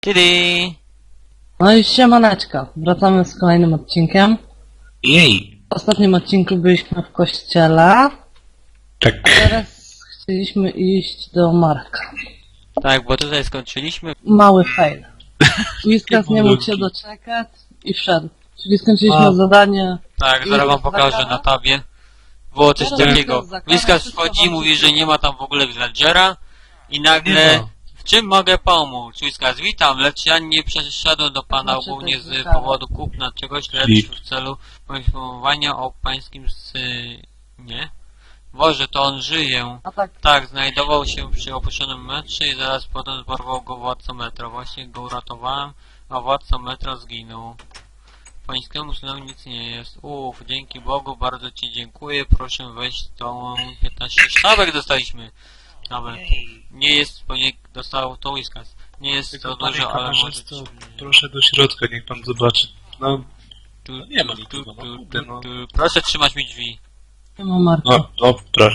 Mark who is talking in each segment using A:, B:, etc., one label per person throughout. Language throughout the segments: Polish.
A: Kiedy?
B: No i siemaneczko, wracamy z kolejnym odcinkiem.
C: Jej!
B: W ostatnim odcinku byliśmy w kościele,
C: Tak.
B: a teraz chcieliśmy iść do Marka.
A: Tak, bo tutaj skończyliśmy.
B: Mały fail. Whiskas nie mógł się doczekać i wszedł. Czyli skończyliśmy zadanie.
A: Tak,
B: I
A: zaraz wam pokażę
B: zakara?
A: na tabie. Było coś
B: Zaraz
A: takiego.
B: zakara,
A: Whiskas
B: wszystko
A: wchodzi,
B: wam
A: mówi, że
B: przyjdzie.
A: nie ma tam w ogóle villagera i
C: Nie
A: nagle...
C: ma.
A: W czym mogę pomóc? Whiskas, witam, lecz ja nie przeszedłem do pana
B: Znaczy,
A: ogólnie
B: to
A: z
B: jest zakara.
A: powodu kupna czegoś, lecz
C: Flip.
A: w celu poinformowania o pańskim synie. Boże, to on żyje.
B: A tak,
A: Tak, znajdował się przy opuszczonym metrze i zaraz potem porwał go władca metra. Właśnie go uratowałem, a władca metra zginął. Pańskiemu synowi nic nie jest. Dzięki Bogu, bardzo ci dziękuję. Proszę wejść tą 15 sztabek dostaliśmy. Nawet. Nie jest, bo nie dostał to Whiskas. Nie jest to
C: Tylko panie
A: dużo, ale może...
C: kamerzysto, proszę do środka, niech pan zobaczy. No, nie ma nikogo, no kurde, no.
A: Proszę trzymać mi drzwi.
B: nie ma Marka.
C: No, proszę.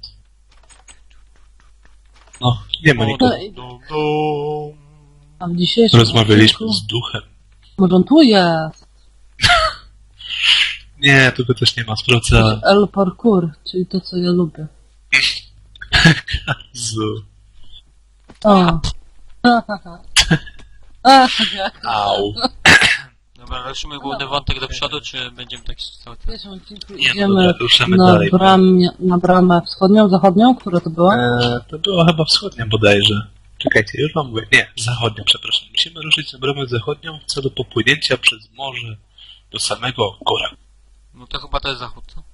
C: No, nie ma nikogo.
B: A w dzisiejszym
C: Rozmawialiśmy
B: odcinku...
C: z duchem.
B: Może on tu jest?
C: Nie, tu też nie ma, sprawdza.
B: El parkour, czyli to co ja lubię.
C: Zu.
B: O. Ach, jak.
C: Au.
A: Dobra, ruszymy główny wątek do przodu, czy będziemy tak cały
B: W
A: czas?
B: pierwszym odcinku
C: Nie, no
B: idziemy
C: dobra, ruszamy
B: na,
C: dalej.
B: na bramę wschodnią, zachodnią, która to była?
C: To było chyba wschodnia bodajże. Czekajcie, już wam mówię. Nie, zachodnia, przepraszam. Musimy ruszyć na bramę zachodnią w celu popłynięcia przez morze do samego Kora.
A: No to chyba to jest zachód, co?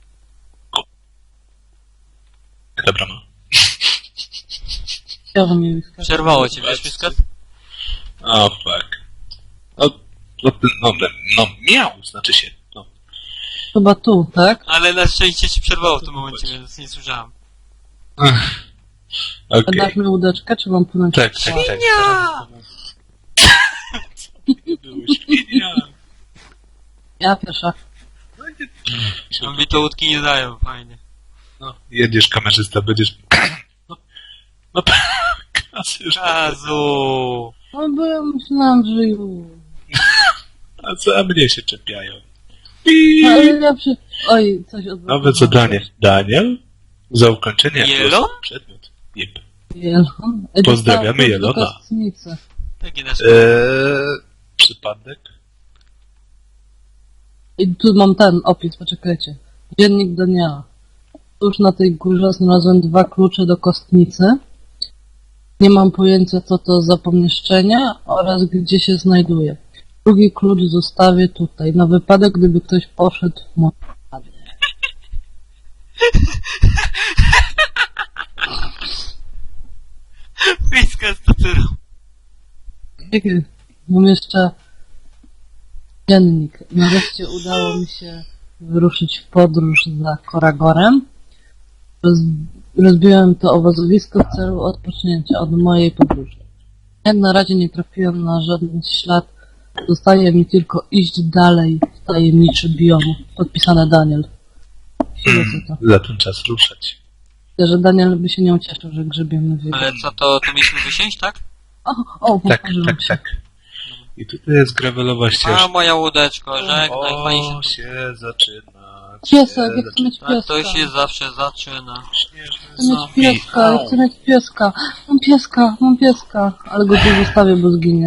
C: Jaka brama?
B: Chciałbym mi wyskakać.
A: Przerwało cię, wiesz, Whiskas?
C: O, fuck. No, miał, znaczy się. No.
B: Chyba tu, tak?
A: Ale na szczęście się przerwało w tym momencie, więc nie słyszałem.
C: Okej.
B: Dasz mi łódeczkę, czy mam płynąć?
C: Tak.
A: Świnia!
C: Świnia!
B: Ja pierwsza.
A: A mi to łódki nie dają, fajnie.
C: No, jedziesz kamerzysta, będziesz... No, kasy,
A: Kazu!
B: No bo ja myślałam, że już.
C: a za mnie się czepiają.
B: Ale ja przy... Oj, coś odwróciłem.
C: Nowe zadanie. Daniel? Za ukończenie
A: Jelon?
C: przedmiot. Jep.
B: Jelon?
C: Pozdrawiamy Jelona.
A: Takie nasze...
C: Przypadek?
B: I tu mam ten opis, poczekajcie. Dziennik Daniela. Tuż na tej górze znalazłem 2 klucze do kostnicy. Nie mam pojęcia, co to za pomieszczenie oraz gdzie się znajduje. Drugi klucz zostawię tutaj, na wypadek, gdyby ktoś poszedł w moją stronę.
A: Whiskas, to ty robisz?
B: Mam jeszcze dziennik. Nareszcie udało mi się wyruszyć w podróż za Koragorem. Rozbiłem to obozowisko w celu odpocznięcia od mojej podróży. Jak na razie nie trafiłem na żaden ślad. Zostaje mi tylko iść dalej w tajemniczy biom. Podpisane Daniel. Chwilę co to.
C: Za ten czas ruszać.
B: Myślę, że Daniel by się nie ucieszył, że grzebiemy w jego...
A: Ale co, to mieliśmy wysiąść, tak?
B: O,
C: Tak,
B: poparzyłem się.
C: tak. I tutaj jest gravelowa
A: A,
C: ścieżka.
A: moja łódeczko, żegnaj, fajnie
C: O,
A: się...
C: się zaczyna.
B: Piesek, jak chcę mieć
A: Tak,
B: pieska.
A: to się zawsze zaczyna.
C: Śnieżny
B: Chcę mieć
C: zombie.
B: pieska, ja chcę mieć pieska. Mam pieska. Ale go tu zostawię, bo zginie.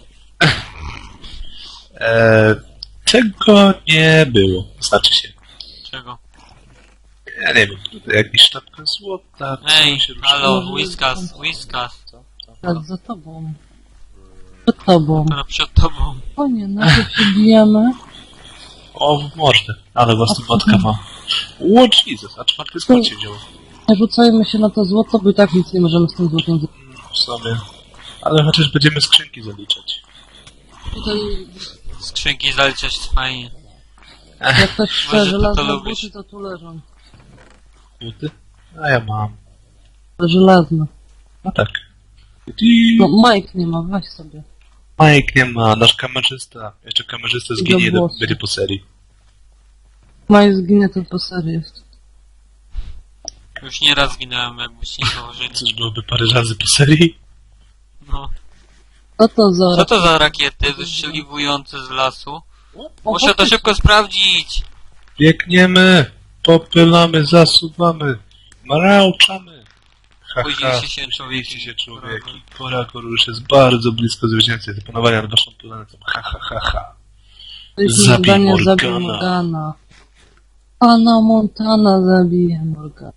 C: Tego nie było. Znaczy się.
A: Czego?
C: Ja nie wiem, tutaj jakaś sztabka złota. co
A: Ej,
C: się rusza?
A: halo, Whiskas.
B: Tak, za tobą. Przed tobą.
A: Teraz przed tobą.
B: O nie, najpierw się bijemy.
C: O, w mordę. Ale własna matka ma. O, Jesus, a 4 skład się działo.
B: Nie rzucajmy się na to złoto, bo i tak nic nie możemy z tym złotem zrobić.
C: W sobie. Ale chociaż będziemy skrzynki zaliczać.
B: Tutaj,
A: Skrzynki zaliczać fajnie.
B: jak ktoś chce
A: Może ty to
B: żelazne
A: lubisz.
B: buty, to tu leżą.
C: Buty? A ja mam.
B: Żelazne.
C: No tak.
B: No, Mike nie ma, weź sobie.
C: Mike nie ma, nasz kamerzysta. Jeszcze kamerzysta zginie,
B: włosy.
C: będzie po serii.
B: Mike zginie, to po serii jest.
A: Już nieraz ginąłem, jakbyście nie założyli.
C: Cóż byłoby parę razy po serii?
A: No.
B: Co to za...
A: Co to za rakiety wystrzeliwujące z lasu?
B: O,
A: Muszę to
B: faktycznie.
A: szybko sprawdzić!
C: Biegniemy, popylamy, zasuwamy, marauczamy.
A: Spóźniliście się,
C: spóźniliście się
A: człowieki.
C: człowieki. Porakor już jest bardzo blisko zwycięstwa zapanowania nad waszą planetą. Ha, ha, ha, ha.
B: Jeśli
C: Zabij
B: zadanie
C: Morgana.
B: zabij Morgana. Anna Montana zabije Morgana.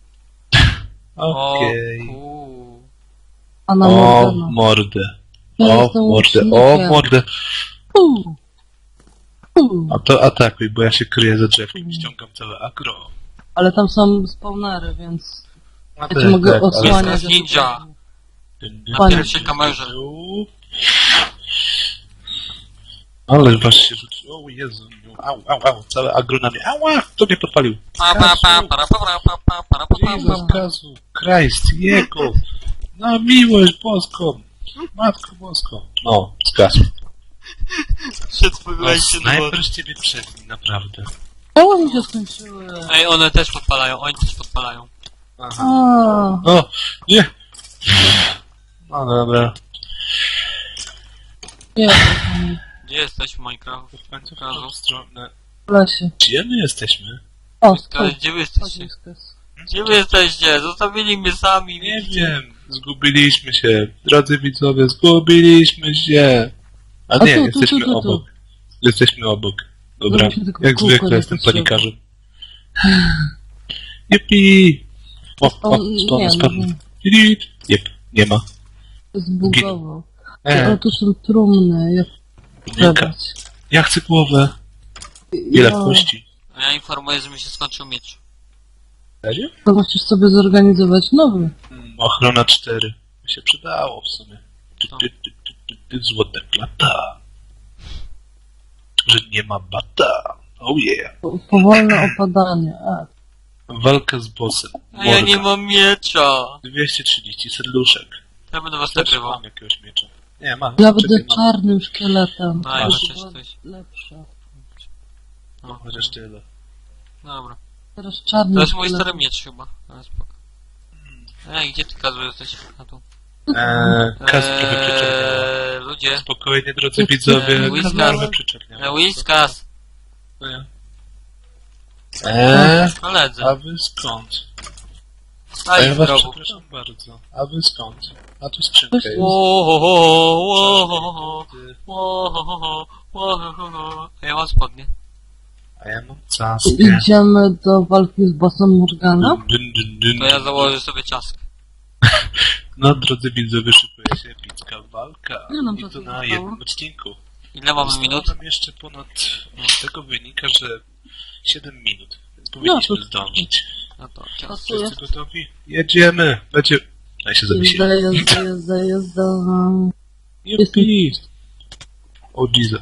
C: Okej.
B: Anna
C: O
B: Morgana.
C: mordę.
B: Ja
C: O
B: jestem
C: mordę, o
B: łucznikiem.
C: mordę.
B: Fu. Fu.
C: A to atakuj, bo ja się kryję za drzewkiem i ściągam całe agro.
B: Ale tam są spawnery, więc
C: A
B: ja cię mogę osłaniać.
A: Jest ninja. Na
B: Panie.
A: pierwszej kamerze.
C: Ale was się rzuci. O Jezu. Au. Całe agro na mnie. Ała! Kto mnie podpalił? Jezus, Kazu. Christ, Jego. Na miłość boską. Matko boską. No, zgasł. No, snajper z ciebie przedni, naprawdę.
B: Koło mi się skończyły.
A: Ej, one też podpalają, oni też podpalają.
C: Aha.
B: A,
C: O, nie. No dobra.
B: nie,
A: Gdzie jesteś w Minecraft?
C: W końcu w
A: Kazu.
C: tą stronę.
B: w lesie.
C: Gdzie my jesteśmy?
B: O,
A: Gdzie wy jesteście?
B: Wyskas.
A: Gdzie wy jesteście? Zostawili mnie sami.
C: Nie wiem. Zgubiliśmy się. Drodzy widzowie, zgubiliśmy się. A nie,
B: tu,
C: jesteśmy
B: tu.
C: obok. Jesteśmy obok. Dobra,
B: Żebyśmy tylko
C: jak
B: w kółko
C: zwykle
B: nie
C: jestem
B: patrzyli.
C: panikarzem. Jupi! O,
B: Nie,
C: spawn. Jep, nie ma.
B: zbugował. Ale tu są trumny, jak
C: Minka.
B: przebrać.
C: Ja chcę głowę. Ile kości?
A: A ja informuję, że mi się skończył miecz.
C: Serio?
B: To musisz sobie zorganizować nowy.
C: Ochrona 4. By się przydało w sumie.
A: Co?
C: Złote plata. Że nie ma bata. Oh yeah.
B: Powolne opadanie. A,
C: Walka z bossem.
A: A ja nie mam miecza.
C: 230 serduszek.
A: Ja będę was
C: Też
A: nagrywał.
C: mam jakiegoś miecza. Nie, mam.
B: ja będę
C: czekaj, mam.
B: czarnym szkieletem.
A: No,
B: To
A: ja
B: by
A: chociaż
B: było
A: coś.
B: lepsze.
A: No,
C: Chociaż tyle.
A: dobra.
B: Teraz czarny
A: To jest mój
B: szkielet.
A: stary miecz chyba. Ale spoko. Ej, gdzie ty Kazu jesteś? A tu.
C: Kas trochę przyczerniała.
A: Ludzie.
C: Spokojnie, drodzy widzowie.
A: Whiskas.
C: Kas trochę przyczerniała.
A: Whiskas.
C: Co ja?
A: Koledzy.
C: A wy skąd? A
A: Stali
C: ja
A: w
C: was
A: rogu.
C: przepraszam bardzo. A wy skąd? A tu skrzynka jest.
A: A ja mam spodnie.
C: A ja mam caskę.
B: Idziemy do walki z bossem Morgana.
A: To ja założę sobie czaskę.
C: No, drodzy widzowie, szykuje się epicka walka.
B: Ile nam
C: I to
B: czasu
C: na
B: zostało?
C: jednym odcinku.
A: Ile mamy
C: Zostało
A: minut?
C: nam jeszcze ponad... Z tego wynika, że 7 minut. Więc powinniśmy
B: to-
C: zdążyć.
A: No to czas.
B: Pasuje.
C: Wszyscy gotowi? Jedziemy! Będzie... No i się zawiesiłem.
B: Jazda.
C: Jupi! O Jesus,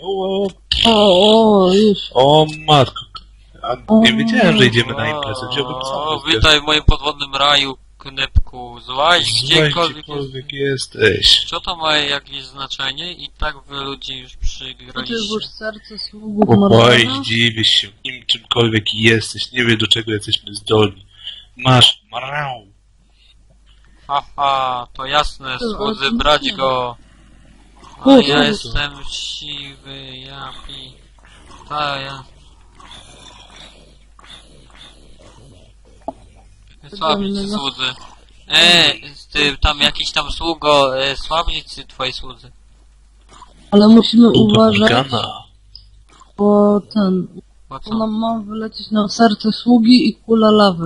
B: O, już.
C: o matko. A nie wiedziałem, że idziemy na imprezę. Wziąłbym
A: O,
C: sam.
A: witaj w moim podwodnym raju, knepku. Złaź gdziekolwiek jest.
C: Gdziekolwiek jesteś.
A: Co to ma jakieś znaczenie? I tak wy ludzie już
B: Ty
A: przygraliście.
B: włóż serce sługów
C: Oj,
B: Morgana.
C: dziwisz się nim czymkolwiek jesteś. Nie wie do czego jesteśmy zdolni. Masz marał.
A: Haha, to jasne,
B: To,
A: słudzy,
B: ale-
A: brać go. A
B: O,
A: ja
B: to-
A: jestem siwy, japi. Ta ja. Słabić
B: no.
A: słudzy. Ty tam jakiś tam sługo, słabić twoi słudzy.
B: Ale musimy
C: Uwaga.
B: uważać, bo
A: Bo co?
B: bo nam ma wylecieć na serce sługi i kula lawy.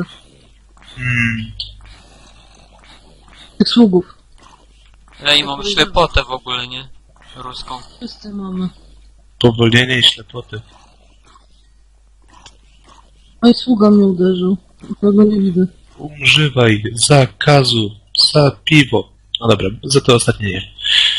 B: Tych sługów.
A: Ja i mam ślepotę w ogóle, nie? Ruską.
B: Wszyscy mamy.
C: Powolnienie i ślepoty.
B: Oj, sługa mnie uderzył. Tego nie widzę.
C: Używaj zakazu za piwo. No dobra, za to ostatnie nie.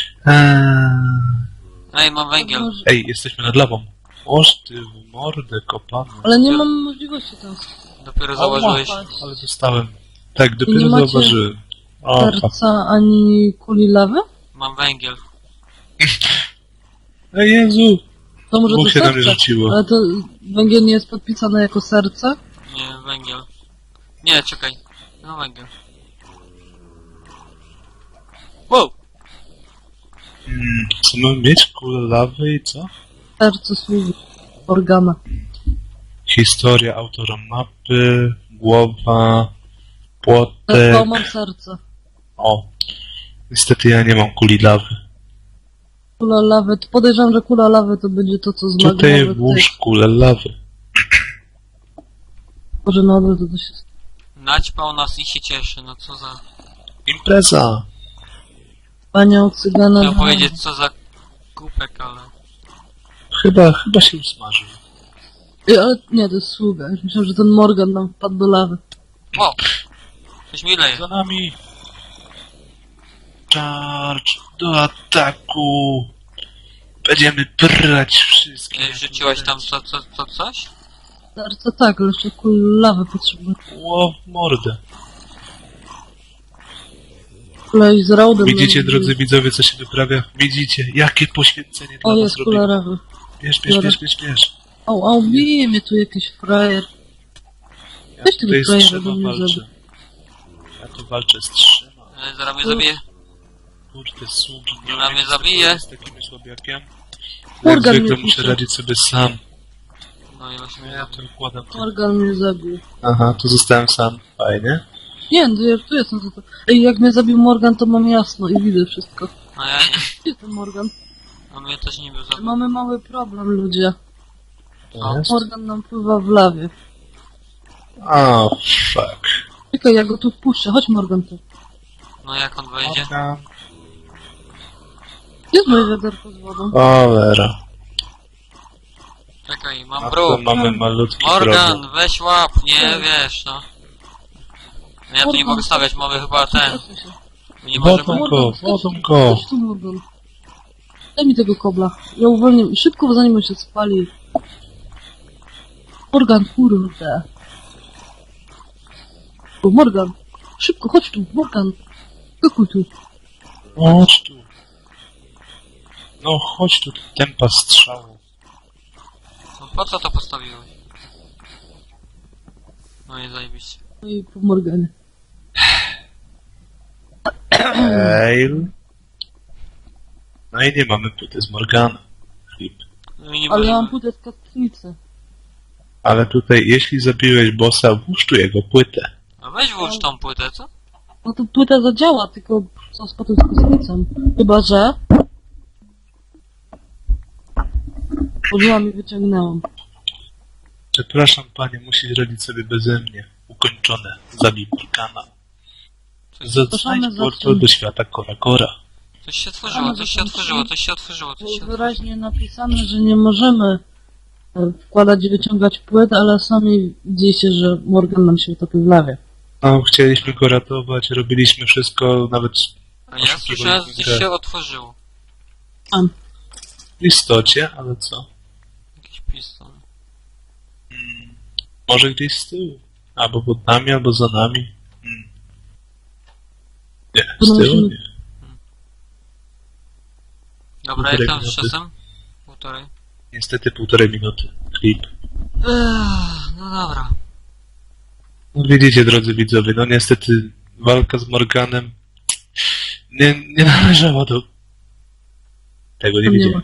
A: Ej, mam węgiel.
C: Ej, jesteśmy nad lawą. Oż ty w mordę kopany.
B: Ale nie mam możliwości tam
A: Dopiero założyłeś.
C: Ale dostałem. Tak,
B: Nie
C: dopiero
B: macie
C: zauważyłem. O,
B: serca ani kuli lawy?
A: Mam węgiel.
C: Ej Jezu!
B: To może
C: Bóg
B: to
C: się na mnie
B: serce.
C: rzuciło.
B: Ale to węgiel nie jest podpisane jako serce?
A: Nie, węgiel. Nie, czekaj. No węgiel. Wow!
C: Co mamy mieć? Kulę lawy i co?
B: Serce służy. Morgana.
C: Historia autora mapy, głowa,
B: O,
C: płotek.
B: mam serce.
C: O, niestety ja nie mam kuli lawy.
B: Kula lawy. To podejrzewam, że kula lawy to będzie to, co z
C: Tutaj
B: magmowy.
C: włóż kulę lawy.
B: Może na odwrót to się...
A: Naćpał nas i się cieszy, no co za...
C: Impreza!
B: Panią cygana...
A: Chciałem powiedzieć co za kupek, ale...
C: Chyba się usmażył.
B: Ale nie, to jest sługa. Już myślałem, że ten Morgan nam wpadł do lawy.
A: O! Coś mi leje.
C: Za nami! Charge! Do ataku! Będziemy prać wszystkie.
A: Rzuciłaś tam coś?
B: Serce tak, ale jeszcze kul lawy potrzebuję.
C: Ło w mordę.
B: Kolej z Raudem...
C: Widzicie,
B: nam-
C: drodzy widzowie, co się wyprawia? Widzicie, jakie poświęcenie dla
B: O,
C: was
B: jest
C: robi.
B: kula lawy.
C: Bierz.
B: Au, bije mnie tu jakiś frajer.
C: Ja
B: Weź tego
C: tutaj z
B: frajera
C: trzema
B: do mnie
C: walczę.
B: zabił.
C: Ja tu walczę z trzema.
A: Zaraz mnie zabije.
C: Kurde, sługi. Nie
A: Ona
C: umiem
A: mnie
C: sobie
A: zabije.
C: radzić z takim słabiakiem. Jak
B: Morgan
C: zwykle
B: mnie
C: muszę
B: puszcza.
C: radzić sobie sam.
A: No i właśnie mnie
C: Ja
A: zabije.
C: to układam.
B: Morgan mnie zabił.
C: Aha, tu zostałem sam. Fajnie.
B: Nie, no ja tu jestem za to. Ej, jak mnie zabił Morgan, to mam jasno i widzę wszystko.
A: A ja nie.
B: Gdzie ten Morgan?
A: A mnie też nie był zabity.
B: Mamy mały problem, ludzie.
C: To jest?
B: Morgan nam pływa w lawie.
C: O, fuck.
B: Czekaj, ja go tu wpuszczę. Chodź, Morgan, tu.
A: No jak on wejdzie?
C: Morgan.
B: Gdzie jest moje wiaderko z wodą?
C: Cholera.
A: Czekaj,
C: A
A: mam
C: to
A: bruk.
C: mamy malutki problem.
A: Morgan, weź łap, nie wiesz, no. Ja tu nie mogę stawiać, mamy chyba ten.
B: Odsuń się.
A: My nie możemy...
C: Wodą go.
B: Chodź tu, Morgan. Daj mi tego kobla. Ja uwolnię. Szybko, zanim on się spali. Morgan, kurde. O, Morgan. Szybko, chodź tu, Morgan. Skakuj tu.
C: Chodź tu. No chodź tu, tempa strzału.
A: No po co to postawiłeś? No i zajebiście.
B: No i po Morganie.
C: Fail. No i nie mamy płyty z Morgana. Flip.
A: No i nie
B: Ale ja mam
A: możemy...
B: płytę z kotnicy.
C: Ale tutaj, jeśli zabiłeś bossa, włóż tu jego płytę.
A: A weź włóż tą płytę, co?
B: No to płyta zadziała, tylko co z potem z kosmicą? Chyba, że... Użyłam i wyciągnęłam.
C: Przepraszam panie, musisz radzić sobie beze mnie. Ukończone. Zabij Morgana. Znajdź portal do świata Kora.
A: Coś się otworzyło, coś się otworzyło, coś się otworzyło, coś się
B: Było
A: otworzyło.
B: wyraźnie napisane, że nie możemy wkładać i wyciągać płyt, ale sami widzicie, że Morgan nam się utopił w lawie.
C: No, chcieliśmy go ratować, robiliśmy wszystko, nawet
A: A ja słyszałem, że coś się otworzyło.
C: w istocie, ale co?
A: Jakiś piston.
C: Może gdzieś z tyłu. Albo pod nami, albo za nami. Nie, z
B: No
C: tyłu
B: musimy-
C: nie.
A: Dobra,
C: Półtorej
A: jak tam z
C: minuty.
A: czasem? Półtorej.
C: Niestety 1,5 minuty. Klip.
A: No dobra.
C: No widzicie, drodzy widzowie, no niestety walka z Morganem nie należała do... Tego nie
B: Tam nie
C: widziałem.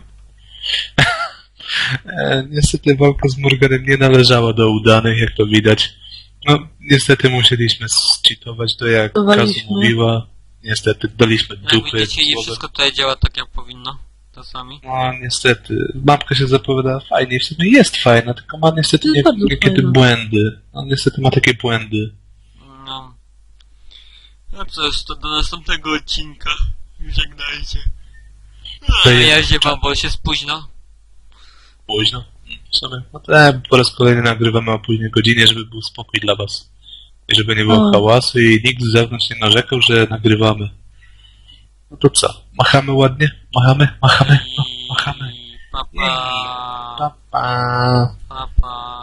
C: Niestety walka z Morganem nie należała do udanych, jak to widać. No, niestety musieliśmy zcheatować to, jak Kazu
B: Dawaliśmy.
C: mówiła. Niestety daliśmy
A: Jak
C: dupy.
A: widzicie, nie
C: słowem.
A: wszystko tutaj działa tak jak powinno. Czasami.
C: No, niestety. Mapka się zapowiada fajnie. W sumie jest fajna, tylko ma niestety
B: Jest bardzo
C: niekiedy
B: fajna.
C: błędy. No, niestety ma takie błędy.
A: No. No cóż, to do następnego odcinka. Żegnajcie.
C: To
A: Ja
C: jest-
A: się wam, bo się spóźno.
C: Późno. W sumie. No to po raz kolejny nagrywamy o późnej godzinie, żeby był spokój dla was. I żeby nie było
B: O.
C: hałasu i nikt z zewnątrz nie narzekał, że nagrywamy. No to co? Machamy ładnie? Machamy? No, machamy.
A: Papa.
C: Pa, pa.
A: Papa.